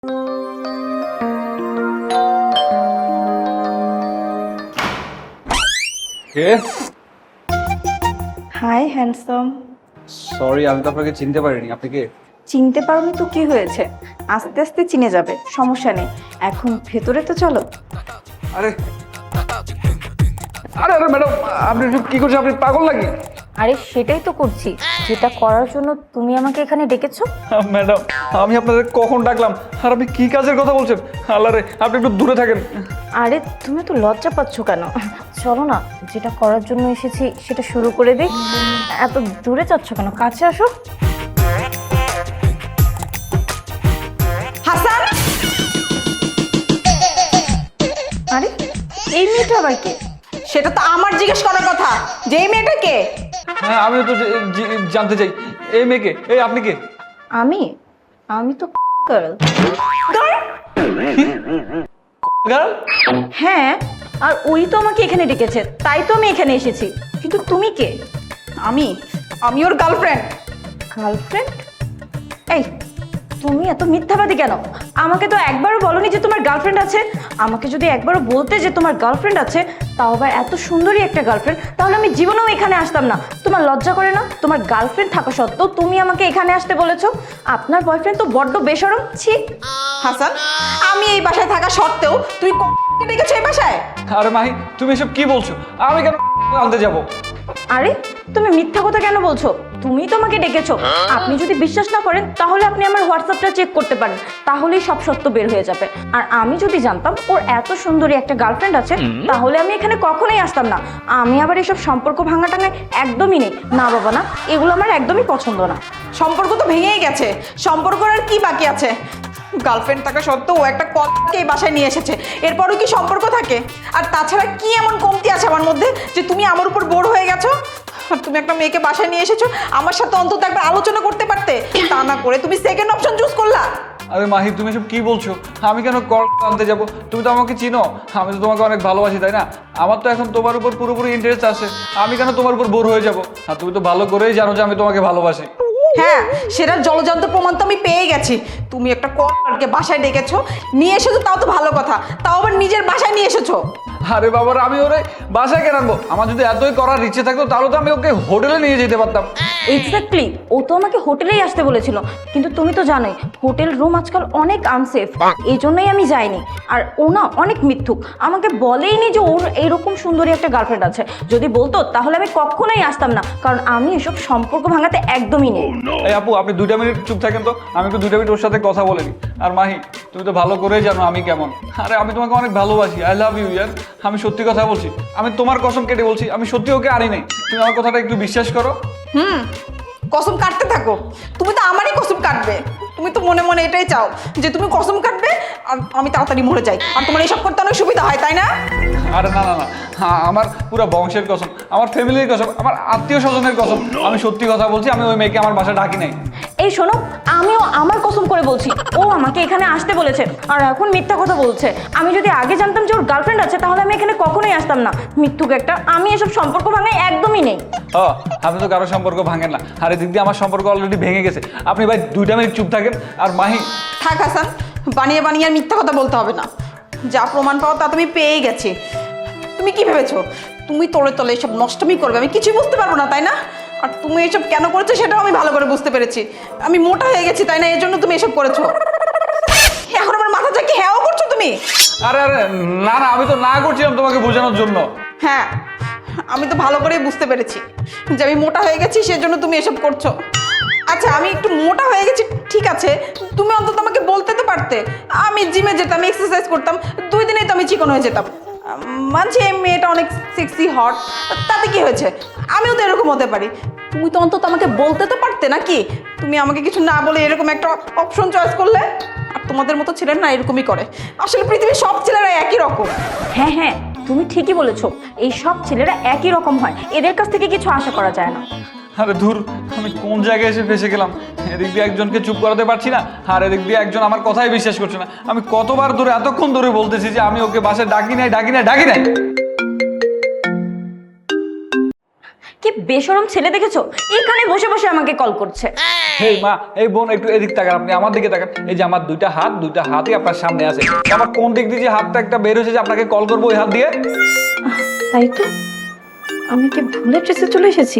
High handsome. Sorry, আমি তো আপনাকে চিনতে পারিনি। আপনি কে? চিনতে পারোনি তো কি হয়েছে, আস্তে আস্তে চিনে যাবে, সমস্যা নেই। এখন ভেতরে তো চলো। আরে আরে আরে ম্যাডাম, আপনি কি করছেন? আপনি পাগল নাকি? আরে সেটাই তো করছি, যেটা করার জন্য তুমি আমাকে এখানে ডেকেছো। ম্যাডাম, আমি আপনাদের কখন ডাকলাম? আর আপনি কি কাজের কথা বলছেন? আল্লাহ রে, আপনি একটু দূরে থাকেন। আরে তুমি তো লজ্জা পাচ্ছ কেন? চলো না, যেটা করার জন্য এসেছি সেটা শুরু করে দিই। এত দূরে যাচ্ছ কেন, কাছে আসো। হাসান, আরে এই মেয়েটা আবার কে? সেটা তো আমার জিজ্ঞেস করার কথা যে এই মেয়েটা কে। হ্যাঁ, আমিও তো জানতে চাই এই মেয়েকে। এই আপনি কে? আমি আমি তো গার্ল। গার্ল? হ্যাঁ, আর ওই তো আমাকে এখানে ডেকেছে, তাই তো আমি এখানে এসেছি। কিন্তু তুমি কে? আমি ওর গার্লফ্রেন্ড। গার্লফ্রেন্ড? এই তুমি এত মিথ্যাবাদী কেন? আমাকে তো একবারও বলনি যে তোমার গার্লফ্রেন্ড আছে। আমাকে যদি একবারও বলতে যে তোমার গার্লফ্রেন্ড আছে, তাও আবার এত সুন্দরী একটা গার্লফ্রেন্ড, তাহলে আমি জীবনেও এখানে আসতাম না। তোমার লজ্জা করে না? তোমার গার্লফ্রেন্ড থাকা সত্ত্বেও তুমি আমাকে এখানে আসতে বলেছো। আপনার বয়ফ্রেন্ড তো বড্ড বেশরম। ছি। হাসান, আমি এই বাসায় থাকা সত্ত্বেও তুই ডেকেছো এই বাসায়? আরে মাহি, তুমি এসব কি বলছো? আমি কেন আনতে যাব? আরে তুমি মিথ্যা কথা কেন বলছো? তুমি তো আমাকে ডেকেছো। আপনি যদি বিশ্বাস না করেন তাহলে আপনি আমার হোয়াটসঅ্যাপটা চেক করতে পারেন, তাহলেই সব সত্য বের হয়ে যাবে। আর আমি যদি জানতাম ওর এত সুন্দরী একটা গার্লফ্রেন্ড আছে, তাহলে আমি এখানে কখনোই আসতাম না। আমি আবার এসব সম্পর্ক ভাঙা টাঙায় একদমই নেই। না বাবা না, এগুলো আমার একদমই পছন্দ না। সম্পর্ক তো ভেঙেই গেছে, সম্পর্ক আর কি বাকি আছে? গার্লফ্রেন্ড থাকা সত্ত্বেও ও একটা কলকে এই বাসায় নিয়ে এসেছে, এরপরও কি সম্পর্ক থাকে? আর তাছাড়া কি এমন কমতি আছে আমার মধ্যে যে তুমি আমার উপর বোর হয়ে গেছো? আর তুমি একটা মেয়েকে বাসায় নিয়ে এসেছো, আমার সাথে অন্তত একবার আলোচনা করতে পারতে। তা না করে তুমি সেকেন্ড অপশন চুজ করলা। আরে মাহি, তুমি এসব কি বলছো? আমি কেন কল আনতে যাব? তুমি তো আমাকে চিনো, আমি তো তোমাকে অনেক ভালোবাসি, তাই না? আমার তো এখন তোমার উপর পুরোপুরি ইন্টারেস্ট আছে। আমি কেন তোমার উপর বোর হয়ে যাব? আর তুমি তো ভালো করেই জানো যে আমি তোমাকে ভালোবাসি। হ্যাঁ, সেটার জলজান্ত প্রমাণ তো আমি পেয়ে গেছি। তুমি একটা কলকে বাসায় ডেকেছো, নিয়ে এসেছো, তাও তো ভালো কথা, তাও আবার নিজের বাসায় নিয়ে এসেছো। আরে বাবার, আমি ওরে বাসায় কেন আনবো? আমার যদি এতই করার ইচ্ছে থাকতো তাহলে তো আমি ওকে হোটেলে নিয়ে যেতে পারতাম। এক্স্যাক্টলি, ও তো আমাকে হোটেলেই আসতে বলেছিল, কিন্তু তুমি তো জানোই হোটেল রুম আজকাল অনেক আনসেফ, এই জন্যই আমি যাইনি। আর ও না অনেক মিথ্যুক, আমাকে বলেইনি যে ওর এইরকম সুন্দরী একটা গার্লফ্রেন্ড আছে। যদি বলতো তাহলে আমি কখনোই আসতাম না, কারণ আমি এসব সম্পর্ক ভাঙাতে একদমই নেই। এই আপু, আপনি 2টা মিনিট চুপ থাকেন তো, আমি একটু 2টা মিনিট ওর সাথে কথা বলে নিই। আর মাহি, তুমি তো ভালো করেই জানো আমি কেমন। আরে আমি তোমাকে অনেক ভালোবাসি, আই লাভ ইউ ইয়ার। আমি সত্যি কথা বলছি, আমি তোমার কসম কেটে বলছি, আমি সত্যি ওকে আনি নাই। তুমি আমার কথাটা একটু বিশ্বাস করো। কসম কাটতে থাকো, তুমি তো আমারই কসম কাটবে। তুমি তো মনে মনে এটাই চাও যে তুমি কসম কাটবে আর আমি তাড়াতাড়ি মরে যাই, আর তোমার এইসব করতে অনেক সুবিধা হয়, তাই না? আরে না না না, হ্যাঁ, আমার পুরো বংশের কসম, আমার ফ্যামিলির কসম, আমার আত্মীয় স্বজনের কসম, আমি সত্যি কথা বলছি। আমি ওই মেয়েকে আমার বাসায় ডাকি নাই। এই শোনো, আমিও আমার কসম করে বলছি, ও আমাকে এখানে আসতে বলেছে আর এখন মিথ্যা কথা বলছে। আমি যদি আগে জানতাম যে ওর গার্লফ্রেন্ড আছে তাহলে আমি এখানে কখনোই আসতাম না। মিথ্যুক একটা। আমি এসব সম্পর্ক ভাঙাই একদমই নেই। ও, আপনি তো কারো সম্পর্ক ভাঙেন না, আর এদিক দিয়ে আমার সম্পর্ক অলরেডি ভেঙে গেছে। আপনি ভাই 2টা মিনিট চুপ থাকেন। আর মাহি, থাক হাসান, বানিয়ে বানিয়ে আর মিথ্যা কথা বলতে হবে না। যা প্রমাণ পাও তা তুমি পেয়েই গেছি। তুমি কি ভেবেছো তুমি তোলে তোলে এসব নষ্টমী করবে আমি কিছুই বুঝতে পারবো না, তাই না? আর তুমি এসব কেন করেছো সেটাও আমি ভালো করে বুঝতে পেরেছি। আমি মোটা হয়ে গেছি, তাই না? এই জন্য তুমি এসব করেছো। এখন আমার মাথা চাকি হ্যাঁও করছো তুমি। আরে আরে না না, আমি তো না করছিলাম তোমাকে বোঝানোর জন্য। হ্যাঁ, আমি তো ভালো করেই বুঝতে পেরেছি যে আমি মোটা হয়ে গেছি, সেজন্য তুমি এসব করছো। আচ্ছা, আমি একটু মোটা হয়ে গেছি ঠিক আছে, তুমি অন্তত আমাকে বলতে তো পারতে। আমি জিমে যেতাম, এক্সারসাইজ করতাম, 2 দিনেই তো আমি চিকন হয়ে যেতাম। মানছি এই মেয়েটা অনেক সেক্সি হট, তাতে কি হয়েছে? আমিও তো এরকম হতে পারি। তুমি তো অন্তত আমাকে বলতে তো পারতে নাকি? তুমি আমাকে কিছু না বলে এরকম একটা অপশন চয়েস করলে। আর তোমাদের মতো ছেলেরা না এরকমই করে। আসলে পৃথিবীর সব ছেলেরা একই রকম। হ্যাঁ হ্যাঁ, তুমি ঠিকই বলেছো, এই সব ছেলেরা একই রকম হয়, এদের কাছ থেকে কিছু আশা করা যায় না। আরে ধুর, আমি কোন জায়গায় এসে ফেসে গেলাম? এদিক দিয়ে একজনকে চুপ করাতে পারছি না, আর এদিক দিয়ে একজন আমার কথাই বিশ্বাস করছে না। আমি কতবার ধরে এতক্ষণ ধরে বলতেছি যে আমি ওকে বাসায় ডাকি নাই ডাকি নাই ডাকি নাই। কি বেশরম ছেলে দেখেছো, এখানে বসে বসে আমাকে কল করছে। হেই মা, এই বোন একটু এদিক তাকান, আপনি আমার দিকে তাকান। এই যে আমার দুইটা হাতই আপনার সামনে আছে, আমার কোন দিক দিয়ে যে হাতটা একটা বের হয়েছে যে আপনাকে কল করবো ওই হাত দিয়ে? তাই তো, আমি কি ভুল অ্যাড্রেসে চলে এসেছি?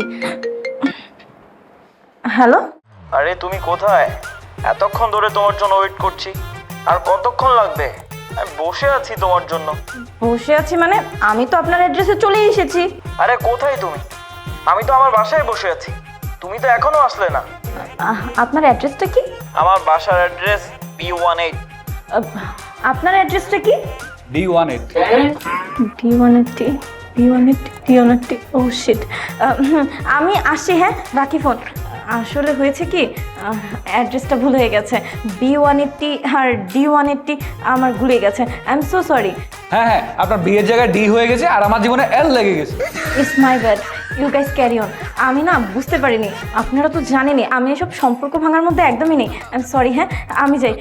হ্যালো, আরে তুমি কোথায়? এতক্ষণ ধরে তোমার জন্য ওয়েট করছি। আর কতক্ষণ লাগবে? আমি বসে আছি তোমার জন্য। বসে আছি মানে? আমি তো আপনার অ্যাড্রেসে চলেই এসেছি। আরে কোথায় তুমি? আমি তো আমার বাসায় বসে আছি, তুমি তো এখনো আসলে না। আপনার অ্যাড্রেসটা কি? আমার বাসার অ্যাড্রেস B18। আপনার অ্যাড্রেসটা কি? D18। D180 ও শিট। আমি আসছি, হ্যাঁ রাখি ফোন। আসলে হয়েছে কি, অ্যাড্রেসটা ভুল হয়ে গেছে। B180 আর D180 আমার ভুলে গেছে। I am so sorry. হ্যাঁ, আপনার বিয়ের জায়গায় ডি হয়ে গেছে আর আমার জীবনে এল লেগে গেছে। It's my bad, you guys carry on. আমি না বুঝতে পারিনি, আপনারা তো জানেনই আমি এসব সম্পর্ক ভাঙার মধ্যে একদমই নেই। I am sorry. হ্যাঁ আমি যাই।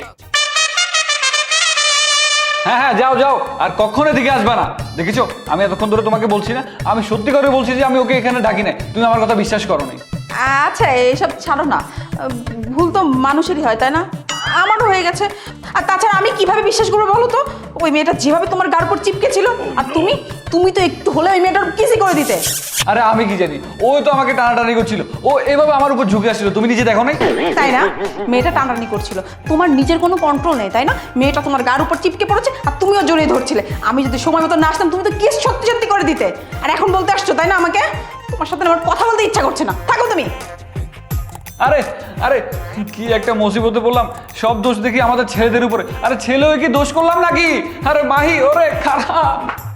হ্যাঁ, যাও আর কখনো এদিকে আসবে না। দেখেছো, আমি এতক্ষণ ধরে তোমাকে বলছি না, আমি সত্যি করে বলছি যে আমি ওকে এখানে ডাকি নাই, তুমি আমার কথা বিশ্বাস করো নাই। আচ্ছা এইসব ছাড়ো না, ভুল তো মানুষেরই হয় তাই না? আমারও হয়ে গেছে। আর তাছাড়া আমি কিভাবে বিশ্বাস করবো বলো তো? ওই মেয়েটা যেভাবে তোমার গার উপর চিপকে ছিল, আর তুমি তো একটু হলে ওই মেয়েটার কিসই করে দিতে। আরে আমি কি জানি, ওই তো আমাকে টানাটানি করছিল, ও এভাবে আমার উপর ঝুঁকে আসছিল, তুমি নিজে দেখো নাই? তাই না? মেয়েটা টানাটানি করছিল, তোমার নিজের কোনো কন্ট্রোল নেই তাই না? মেয়েটা তোমার গার উপর চিপকে পড়েছে আর তুমিও জড়িয়ে ধরছিলে। আমি যদি সময় মতো না আসতাম তুমি তো কিস সত্যি সত্যি করে দিতে। আর এখন বলতে আসছো তাই না আমাকে? তোমার সাথে আমার কথা বলতে ইচ্ছা করছে না, থাকো তুমি। আরে কি একটা মুসিবতে বললাম, সব দোষ দেখি আমাদের ছেলেদের উপরে। আরে ছেলে হয়ে কি দোষ করলাম নাকি? আরে মাহি, ওরে খারাপ।